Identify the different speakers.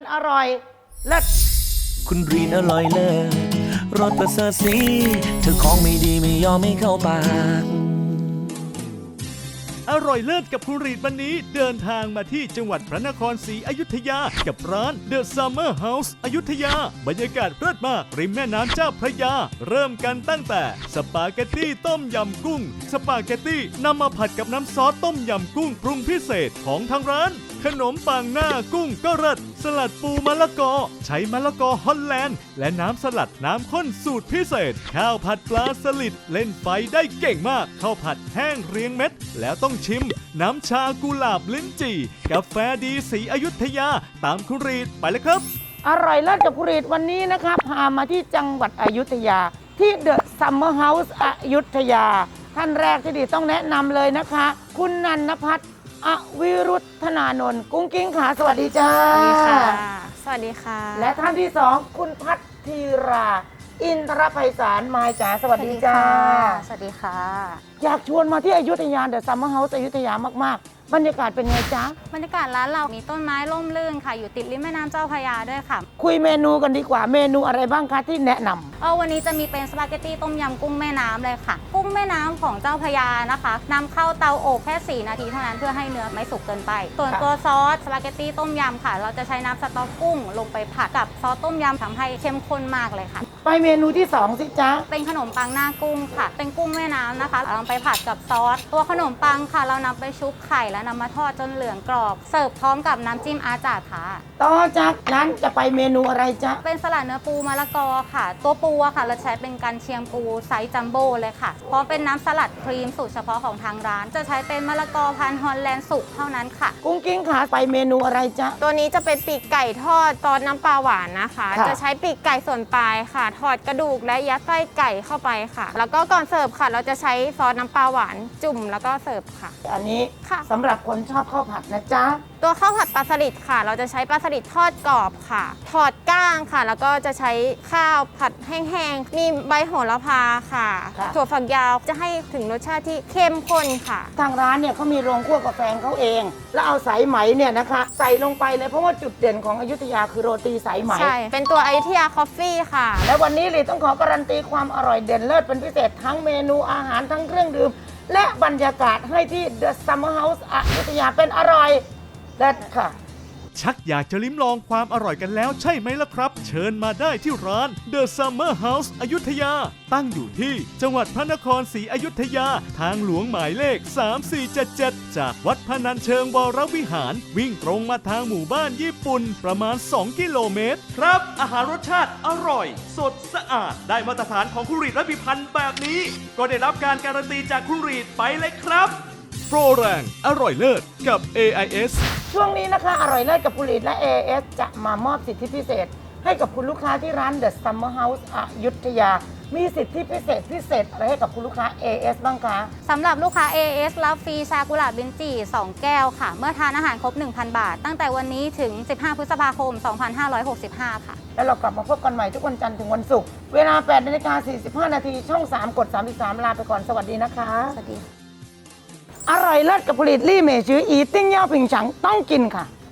Speaker 1: อร่อยเลิศ
Speaker 2: คุณรีนอร่อยเลิศรสประเสริฐสีเธอของไม่ดีไม่ยอมไม่เข้าปาก
Speaker 3: อร่อยเลิศกับคุณรีดวันนี้เดินทางมาที่จังหวัดพระนครศรีอยุธยากับร้าน The Summer House อยุธยาบรรยากาศเลิศมากริมแม่น้ำเจ้าพระยาเริ่มกันตั้งแต่สปาเกตตี้ต้มยำกุ้งสปาเกตตี้นำมาผัดกับน้ำซอสต้มยำกุ้งปรุงพิเศษของทางร้านขนมปังหน้ากุ้งก็เลิศสลัดปูมะละกอใช้มะละกอฮอลแลนด์และน้ำสลัดน้ำข้นสูตรพิเศษข้าวผัดปลาสลิดเล่นไฟได้เก่งมากข้าวผัดแห้งเรียงเม็ดแล้วต้องชิมน้ำชากุหลาบลิ้นจี่กาแฟดีสีอยุธยาตามคุณรีดไปเลยครับ
Speaker 1: อร่อยเลิศกับคุณรีดวันนี้นะครับพามาที่จังหวัดอยุธยาที่ The Summer House อยุธยาท่านแรกที่ดีต้องแนะนำเลยนะคะ คุณนันทพัฒน์อวิรุธธนานนท์กุ้งกิ้งขาสวัสดีจ้า
Speaker 4: สวัสดีค่ะ
Speaker 1: และท่านที่สองคุณพัทธีราอินทรไพศาลมายจ๋าสวัสดีจ้า
Speaker 4: สวัสดีค่ะ
Speaker 1: อยากชวนมาที่อยุธยา The Summer House อยุธยามากๆบรรยากาศเป็นไงจ๊ะ
Speaker 4: บรรยากาศร้านเรามีต้นไม้ร่มรื่นค่ะอยู่ติดริมแม่น้ำเจ้าพระยาด้วยค่ะ
Speaker 1: คุยเมนูกันดีกว่าเมนูอะไรบ้างคะที่แนะนำ
Speaker 4: วันนี้จะมีเป็นสปาเกตตี้ต้มยำกุ้งแม่น้ำเลยค่ะกุ้งแม่น้ำของเจ้าพระยานะคะนำเข้าเตาอบแค่4 นาทีเท่านั้นเพื่อให้เนื้อไม่สุกเกินไปส่วนตัวซอสสปาเกตตี้ต้มยำค่ะเราจะใช้น้ำสต๊อกกุ้งลงไปผัดกับซอสต้มยำทำให้เข้มข้นมากเลยค่ะ
Speaker 1: ไปเมนูที่2สิจ๊ะ
Speaker 4: เป็นขนมปังหน้ากุ้งค่ะเป็นกุ้งแม่น้ำนะคะเราไปผัดกับซอสตัวขนมปังค่ะเรานำไปชุบไข่แล้วนำมาทอดจนเหลืองกรอบเสิร์ฟพร้อมกับน้ำจิ้มอาจาดค่ะ
Speaker 1: ต่อจากนั้นจะไปเมนูอะไรจ๊ะ
Speaker 4: เป็นสลัดเนื้อปูมะละกอค่ะตัวปูอะค่ะเราใช้เป็นกันเชียงปูไซส์จัมโบ้เลยค่ะพร้อมเป็นน้ำสลัดครีมสูตรเฉพาะของทางร้านจะใช้เป็นมะละกอพันธุ์ฮอลแลนด์สุกเท่านั้นค่ะ
Speaker 1: กุ้งกิ้งขาไปเมนูอะไรจ๊ะ
Speaker 5: ตัวนี้จะเป็นปีกไก่ทอดซอสน้ำปลาหวานนะคะจะใช้ปีกไก่ส่วนปลายค่ะทอดกระดูกและยัดไส้ไก่เข้าไปค่ะแล้วก็ก่อนเสิร์ฟค่ะเราจะใช้ซอสน้ำปลาหวานจุ่มแล้วก็เสิร์ฟค่ะ
Speaker 1: อันนี้สำหรับคนชอบข้าวผัดนะจ๊ะ
Speaker 5: ตัวข้าวผัดปลาสลิดค่ะเราจะใช้ปลาสลิดทอดกรอบค่ะถอดก้างค่ะแล้วก็จะใช้ข้าวผัดแห้งๆมีใบโหระพาค่ะถั่วฝักยาวจะให้ถึงรสชาติที่เข้มข้นค่ะ
Speaker 1: ทางร้านเนี่ยเขามีโรงคั่วกาแฟเขาเองแล้วเอาสายไหมเนี่ยนะคะใส่ลงไปเลยเพราะว่าจุดเด่นของอยุธยาคือโรตีสายไหม
Speaker 5: ใช่เป็นตัวอยุธยาคอฟฟี่ค่ะ
Speaker 1: และวันนี้เลยต้องขอการันตีความอร่อยเด่นเลิศเป็นพิเศษทั้งเมนูอาหารทั้งเครื่องดื่มและบรรยากาศให้ที่ The Summer House อยุธยาเป็นอร่อยเลิศค่ะ
Speaker 3: ชักอยากจะลิ้มลองความอร่อยกันแล้วใช่ไหมล่ะครับเชิญมาได้ที่ร้าน The Summer House อยุธยาตั้งอยู่ที่จังหวัดพระนครศรีอยุธยาทางหลวงหมายเลข 3477 จากวัดพนัญเชิงวรวิหารวิ่งตรงมาทางหมู่บ้านญี่ปุ่นประมาณ2 กิโลเมตรครับอาหารรสชาติอร่อยสดสะอาดได้มาตรฐานของคุณรีดและพิพันธ์แบบนี้ก็ได้รับการการันตีจากคุณรีดไปเลยครับโปรแรงอร่อยเลิศกับ AIS
Speaker 1: ช่วงนี้นะคะอร่อยเลิศกับคุณลีดและ AIS จะมามอบสิทธิพิเศษให้กับคุณลูกค้าที่ร้าน The Summer House อยุธยามีสิทธิพิเศษอะไรให้กับคุณลูกค้า AIS บ้างคะ
Speaker 4: สำหรับลูกค้า AIS รับฟรีชากุหลาบลิ้นจี่2 แก้วค่ะเมื่อทานอาหารครบ 1,000 บาทตั้งแต่วันนี้ถึง15 พฤษภาคม 2565 ค่ะ
Speaker 1: แล้วเรากลับมาพบกันใหม่ทุกวันจันทร์ถึงวันศุกร์เวลา 8:45 น.ช่อง 3 กด 33 ลาไปก่อนสวัสดีนะคะ
Speaker 4: สวัสดี
Speaker 1: อร่อยเลิศกับผลิตลี่เมชืออีติ้งเย่าผิงฉังต้องกินค่ะ